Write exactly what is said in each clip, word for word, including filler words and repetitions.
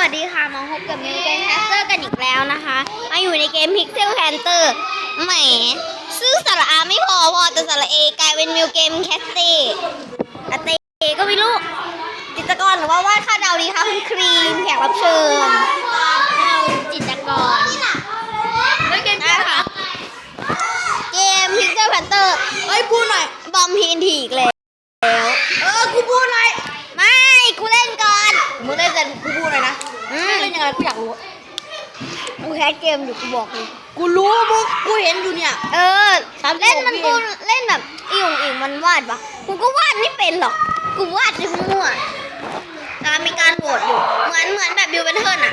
สดีค่ะมาพบกับมิวเกมแคสเตอร์กันอีกแล้วนะคะมาอยู่ในเกม Pixel Hunter แหมซื้อสระอาไม่พอพอแต่สระเอกลายเป็นมิวเกมแคสเตอร์อาเตก็ไม่รู้จิตรกรหรือว่าวาดค่าดาวดีคะคุณครีมแขกรับเชิญจิตรกรแล้วเกมนี้ค่ะเกม Pixel Hunter เฮ้ยพูดหน่อยบอมพีนทีอีกแล้วเออกูพูดหน่อยไม่กูเล่นก่อนมึงเล่นแต่กูพูดหน่อยนะเล่นยังไงกูอยากรู้กูแคสเกมอยู่กูบอกเลยกูรู้มึงกูเห็นอยู่เนี่ยเออเล่นมันกูเล่นแบบอีหงอีมันวาดปะกูก็วาดไม่เป็นหรอกกูวาดมั่วการมีการโหวตอยู่เหมือนเหมือนแบบบิวเบนเทิร์นอะ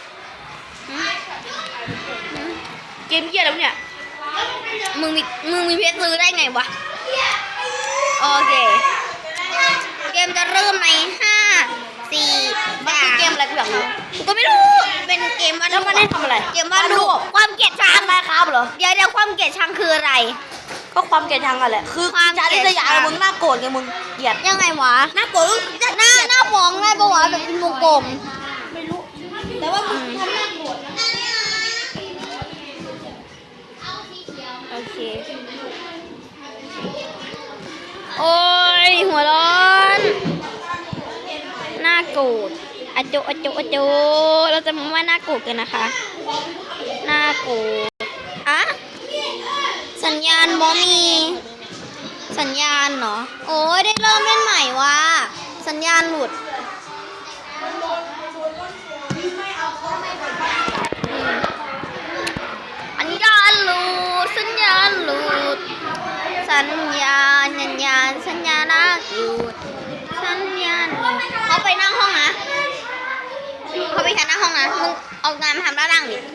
เกมเหี้ยแล้วเนี่ยมึงมีมึงมีเพชรซื้อได้ไงวะโอเคเกมจะเริ่มในห้าสี่มันคือเกมอะไรกูอยากรู้กูก็ไม่รู้เป็นเกมวาดรูปแล้วมันได้ทำอะไรเกมวาดรูปความเกลียดชังมาครับเหรอเดี๋ยวเดี๋ยวความเกลียดชังคืออะไรก็ความเกลียดชังกันแหละคือความจะได้สยามมึงน่าโกรธไงมึงเกลียดยังไงวะน่าโกรธหน้าหน้าฟ้องได้ปะวะแบบเป็นวงกลมไม่รู้แต่ว่ามึงทำน่าโกรธโอเคโอ้ยหัวร้อนน่าโกรธอโจอโจอโจเราจะมาว่าน่าโกรธกันนะคะน่าโกรธอะสัญญาณบอมีสัญญาณเหรอโอ้ยได้เริ่มเล่นใหม่ว่ะสัญญาณหลุดสัญญาณหลุดสัญญาณหลุดสัญญาณสัญญาณสัญญาณน่าหยุดสัญญาณเขาไปนั่งห้องนะเขาไปแค่หน้าห้องนะมึงเอางานมาทำด้านล่างดิ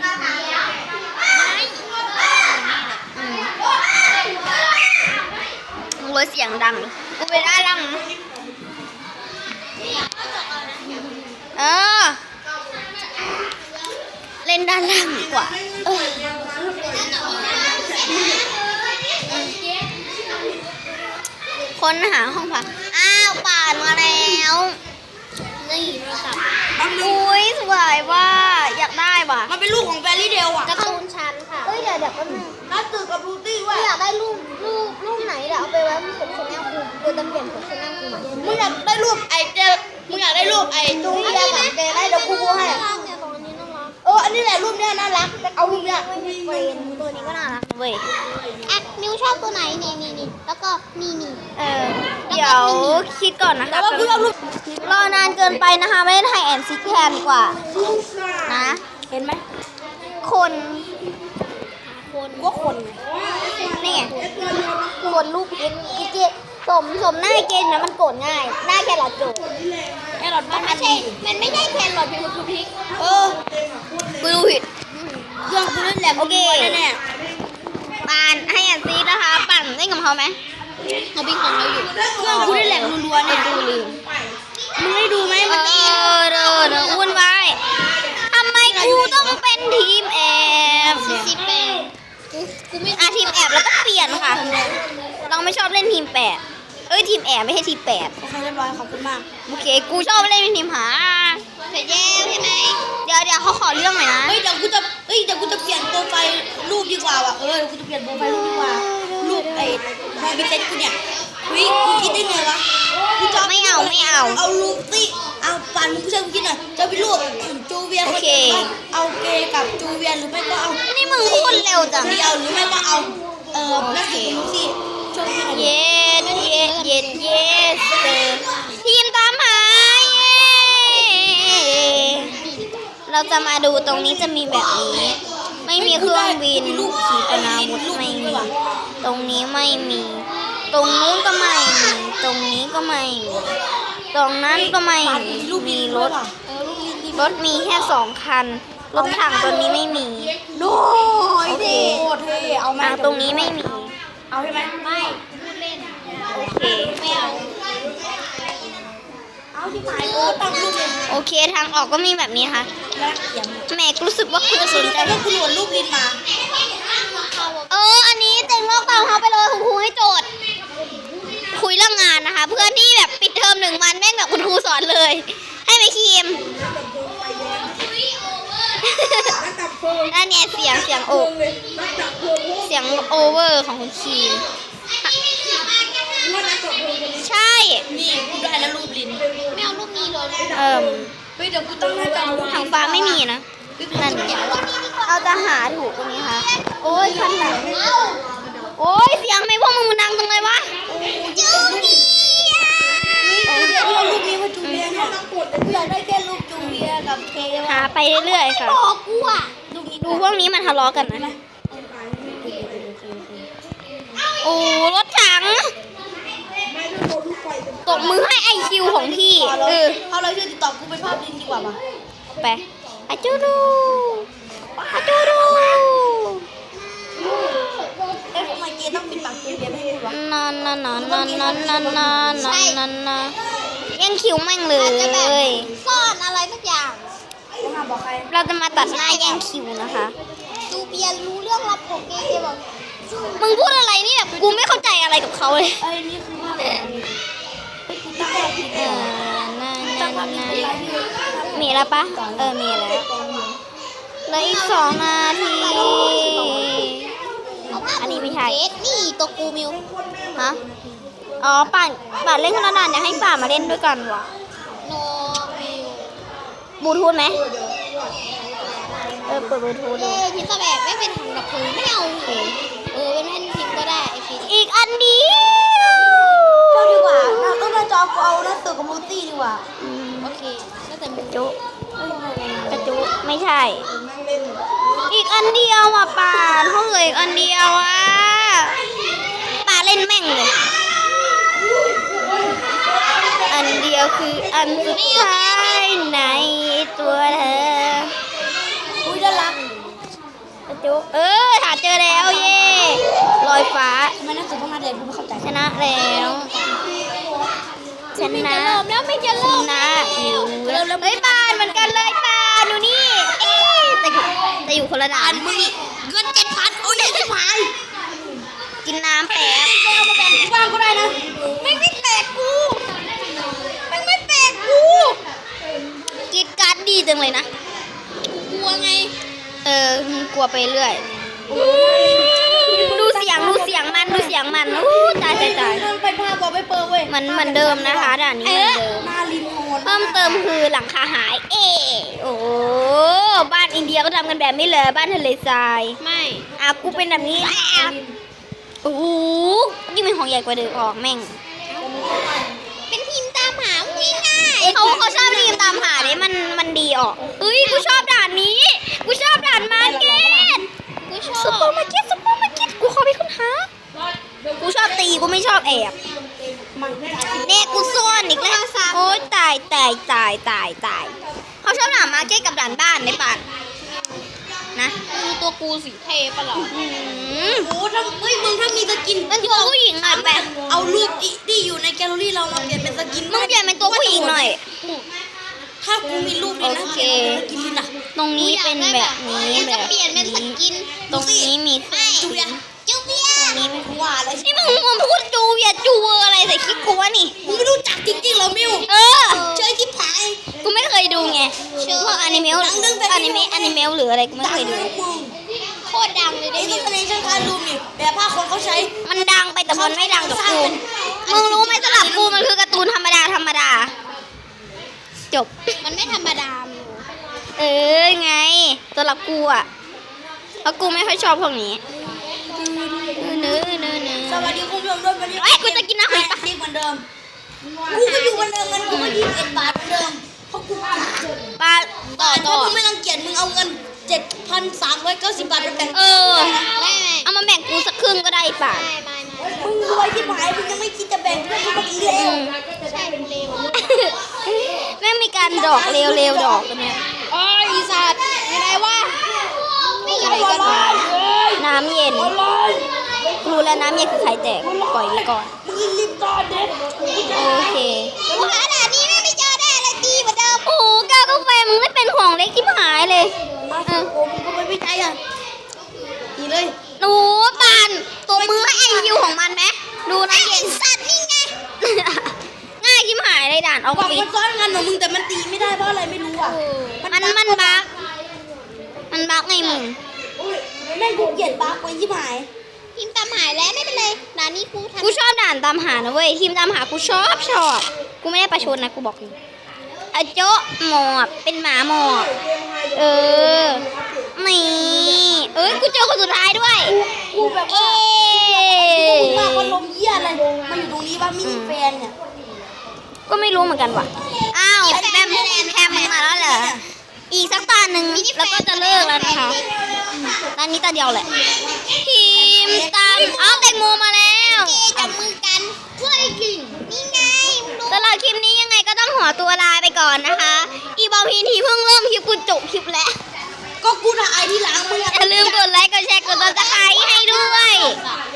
มึงเลยเสียงดังกูไปด้านล่างเออเล่นด้านล่างดีกว่าเออค้นหาห้องพักอ้าวป่านมาแล้วนี่โทรศัพท์อุ้ยสวยว่าอยากได้ว่ะมันเป็นลูกของแฟรี่เดลอ่ะการ์ตูนชั้นค่ะเอ้ยเดี๋ยวเดี๋ยวก็นึงน่าตื่นกับรูตี้ว่าอยากได้รูปรูปรูปไหนเดี๋ยวเอาไปไว้ที่ผมชแนลกูกูจะเปลี่ยนผมชแนลกูใหม่มึงอยากได้รูปไอเจมึงอยากได้รูปไอจูเลียกับเจได้เดี๋ยวกูให้เอออันนี้แหละรูปเนี้ยน่ารักเอารูปเนี้ยไม่มีเป็นตัวนี้ก็น่ารักเว้ยอ่ะมิวชอบตัวไหนนี่นี่นี่แล้วก็นี่นี่เออเดี๋ยวคิดก่อนนะคะว่ากูชอบรูปรอนานเกินไปนะคะไม่ได้ถ่ายแอนซิกแทนดีกว่านะเห็นไหมคนคนก็คนนี่ไงคนลูกเอ็กอีเจสมสมหน้าเกณฑ์นะมันโกรธง่ายหน้าแครอทโจแครอทมันไม่ใช่มันไม่ใช่แครอทเป็นคือพริกเออกูรู้ผิดเครื่องกูเล่นแหลมโอเคแน่ปานให้แอนซีนะคะปั่นเล่นกับเขาไหมเขาบินของเราอยู่เครื่องกูเล่นแหลมรัวๆเนี่ยดูลืมมึงได้ดูไหมเออเด้อเด้อวุ่นวายทำไมกูต้องเป็นทีมแอบทีมแอบกูไม่อาทีมแอบแล้วก็เปลี่ยนค่ะเราไม่ชอบเล่นทีมแปดเอ้ยทีมแอบไม่ใช่ทีมแปดโอเคเรียบร้อยขอบคุณมากโอเคกูชอบเล่นเป็นทีมหาเสร็จแล้วใช่ไหมเดี๋ยวเดี๋ยวเขาขอเรื่องหน่อยนะเฮ้ยเดี๋ยวกูจะเฮ้ยเดี๋ยวกูจะเปลี่ยนโปรไฟล์รูปดีกว่าว่ะเออกูจะเปลี่ยนโปรไฟล์รูปดีกว่ารูปไอ้ไมบิเต็กูเนี่ยเฮ้ยกูคิดได้ไงวะกูจะไม่เอาไม่เอาเอารูปสิเอาปั่นมึงช่วยกูคิดหน่อยจะเป็นรูปจูเวียนโอเคเอาเกย์กับจูเวียนหรือไม่ก็เอานี่มึงพูดเร็วจังเดียวหรือไม่ก็เอาเออแม่สิลูกสิช่วยกูหน่อยเย็ดเย็ดเย็ดเย็ดทีมตามหาเราจะมาดูตรงนี้จะมีแบบนี้ไม่มีเครื่องบินขีปนาวุธไม่มีตรงนี้ไม่มีตรงนู้นก็ไม่มีตรงนี้ก็ไม่มีตรงนั้นก็ไม่มีมีรถรถมีแค่สองคันรถถังตัวนี้ไม่มีโน้ยเท่เท่เอามาตรงนี้ไม่มีเอาใช่ไหมไม่โอเคไม่เอาเอาที่หมายโอ้ตั้งรูปเลยโอเคทางออกก็มีแบบนี้ค่ะแม่รู้สึกว่าคุณจะสนใจก็คุณหวนรูปลินมาเอออันนี้เต็งโลกตามเขาไปเลยคุณครูให้โจทย์คุยเรื่องงานนะคะเพื่อนที่แบบปิดเทอมหนึ่งวันแม่งแบบคุณครูสอนเลยให้ไปคีมนั่นเนี่ยเสียงเสียงโอเสียงโอเวอร์ของคุณครีมใช่นี่กูได้แล้วรูปลิ้นไม่เอารูปนี้เลยเอ่มเฮ้ยเดี๋ยวกูต้องให้กันทางฟ้าไม่มีนะนั่นเอาจะหาถูกตรงนี้ค่ะโอ้ยคันหลังโอ้ยเสียงไม่พวกมึงมันดังตรงไหนวะจูเนียเดี๋ยวเอารูปนี้มาจูเลียเนี่ยกูอยากได้แค่รูปจูเลียกับเคหาไปเรื่อยๆค่ะบอกกูอ่ะรูปนี้ดูพวกนี้มันทะเลาะกันนะโอ้รถถังตบมือให้ไอคิวของพี่เออเอาเลยชื่อติดต่อกูเป็นภาพลิ้นดีกว่าป่ะไปอาจูดูอาจูดูเอ๊ะทำไมเกย์ต้องปิดปากจูเลียไม่ให้พูดวะนอนนอนนอนนอนนอนนอนนอนนอนนอนนอนยังคิวแม่งเลยซ่อนอะไรสักอย่างกูห้ามบอกใครเราจะมาตัดหน้าแย่งคิวนะคะจูเบียรู้เรื่องลับของเกย์เกย์บอกมึงพูดอะไรนี่แบบกูไม่เข้าใจอะไรกับเขาเลยเอ้ยนี่คือภาพลิ้นเฮ้ยกูตั้งภาพลิ้นเออน่าตั้น่างภาพลิ้นน่าเป็นไรที่มีแล้วปะเออมีแล้วเหลืออีกสองนาที อันนี้ไม่ใช่นี่ตัวกูมิวฮะอ๋อป่านป่านเล่นคนละด่านอยากให้ป่านมาเล่นด้วยกันวะโนมิวบลูทูธไหมเออเปิดบลูทูธเอดูอพิซซ่าแบบไม่เป็นถังดับเพลิงไม่เอาเออเป็นแม่นพิมพ์ก็ได้ไอพีอีกอันเดียวเท่าดีกว่าเราต้องมาจอกูเอาหนังสือกับมูตี้ดีกว่าอืมโอเคก็แต่มูจุกระจุไม่ใช่ อีกอันเดียวอ่ะป่านห้องเหลืออีกอันเดียวอ่ะป่าเล่นแม่งเลย อันเดียวคืออันสุดท้ายในตัวเธออุ้ยน่ารักกระจุเออหาเจอแล้วเย่ลอยฟ้าทำไมหนังสือต้องมาเด่นกูไม่เข้าใจชนะแล้วชนะแล้วไม่จะชเริ่มนะอยู่เฮ้ยปานเหมือนกันเลยปานดูนี่เอ๊ะแต่อยู่แต่อยู่คนละด่านมึงนี่เงินเจ็ดพันโอ้ยเจ็ดพันกินน้ำแป๊บแกเอามาแบ่งกูบ้างก็ได้นะไม่ไม่แปลกกูไม่ไม่แปลกกูกินการ์ดดีจังเลยนะกลัวไงเออกลัวไปเรื่อยดูเสียงดูเสียงมันดูเสียงมันอู้ตายตายตายมันไปภาพบอกไปเปิดเว้ยมันเหมือนเดิมนะคะด่านนี้เหมือนเดิมหน้าริมโนนเพิ่มเติมคือหลังคาหาย เอโอ้บ้านอินเดียก็ทำกันแบบนี้เลยบ้านทะเลทรายไม่อ่ะกูเป็นแบบนี้อ่ะโอ้โหยิ่งเป็นของใหญ่กว่าเดิมออกแม่งเป็นทีมตามหาวิ่งง่ายเขาเขาชอบทีมตามหาเนี่ยมันมันดีออกเฮ้ยกูชอบด่านนี้กูชอบด่านมาร์เก็ตกูชซุปอเปอบ ร์มาร์เก็ตซุปเปอร์มาร์เก็ตกูขอไปค้นหากูชอบตีกูไม่ชอบแอบเนี่ยกูซ่อนอีกแล้วโอ๊ยตายตายตายตายตายเขาชอบด่านมาร์เก็ตกับด่านบ้านในป่านนะดูตัวกูสีเทปะเหรออืมโอ้ถ้าเฮ้ยมึงถ้ามีสกินเป็นตัวผู้หญิงหน่อยแปะเอารูปที่ที่อยู่ในแกลเลอรี่เรามาเปลี่ยนเป็นสกินมึงเปลี่ยนเป็นตัวผู้หญิงหน่อยถ้ากูมีรูปนี่นะโอเคสกินลินอะตรงนี้เป็นแบบนี้แบบเปลี่ยนเป็นสกินตรงนี้มีจูเบียจูเบียตรงนี้มีกูว่าอะไรนี่มึงมึงพูดจูเวียจูเวอร์อะไรใส่คลิปกูวะนี่มึงไม่รู้จักจริงๆเหรอมิวเออเชยที่ผายกูไม่เคยดูไงพวกอนิเมะอนิเมะอนิเมะหรืออะไรกูไม่เคยดูมึงโคตรดังเลยได้ดิสเนชั่นการรูมนี่แบบผ้าคนเขาใช้มันดังไปแต่มันไม่ดังกับกู มึงรู้ไหมสำหรับกูมันคือการ์ตูนธรรมดาธรรมดา จบมันไม่ธรรมดามิวเออไงสำหรับกูอ่ะเพราะกูไม่ค่อยชอบพวกนี้เนื้อเนื้อเนื้อสวัสดีคุณผู้ชมด้วยวันนี้เอ้ยกูจะกินน้ำหอยปะเรียกเหมือนเดิมกูก็อยู่เหมือนเดิมเงินกูก็ยี่สิบเอ็ดบาทเหมือนเดิมเพราะกูปลาต่อถ้าต่อมึงไม่รังเกียจมึงเอาเงินเจ็ดพันสามร้อยเก้าสิบบาทไปแบ่งเออไม่ไม่เอามาแบ่งกูสักครึ่งก็ได้ป่ะไม่ไม่มึงรวยที่หายมึงยังไม่คิดจะแบ่งเพื่อนมึงอีกแล้วใช่เป็นเลวแม่งมีการดอกเร็วๆดอกกันเนี่ยอ๋ออีสัตว์ยังไงวะไม่อะไรกันวะน้ำเย็นรู้แล้วน้ำเย็นคือไข่แตกปล่อยไว้ก่อนมึงรีบตอนเด็ดโอเคกูหาด่านนี้ไม่เจอได้อะไรตีเหมือนเดิมโอ้โหกากาแฟมึงไม่เป็นของเล็กที่หายเลยเออโอ้มึงก็ไม่วิจัยอ่ะนี่เลยหนูปานตัวมือให้ไอคิวของมันไหมดูนะเย็นสัตว์นี่ไงง่ายที่หายเลยด่านเอาบอกฟิมันซ้อนกันเหรอมึงแต่มันตีไม่ได้เพราะอะไรไม่รู้อ่ะมันมันบักมันบักกไงมึงแม่งกูเกลียดบักไว้ที่หมายทีมตามหายแล้วไม่เป็นไรด่านนี้กูทำกูชอบด่านตามหานะเว้ยทีมตามหากูชอบชอบกูไม่ได้ประชดนะกูบอกเลยอะโจะหมอบเป็นหมาหมอบเออนี่เอ้ยกูเจอคนสุดท้ายด้วยกูแบบเอ๊ว่ากูมาพัดละมเหี้ยอะไรมาอยู่ตรงนี้ว่ามินิแฟนเนี่ยก็ไม่รู้เหมือนกันว่ะอ้าวแบมแพมมึงมาแล้วเหรออีกสักตาหนึ่งแล้วก็จะเลิกแล้วนะคะตอนนี้ตาเดียวแหละทีมตามอ้าวแตงโมมาแล้วจับมือกันช่วยยิงนี่ไงมึงดูสำหรับคลิปนี้ยังไงก็ต้องขอตัวลาไปก่อนนะคะ อีบอลพีทีเพิ่งเริ่มคลิปกูจบคลิปแล้วก็กูถ่ายที่หลังมึงอะอย่าลืมกดไลค์ กดแชร์ กดติดตามให้ด้วยอ่ะ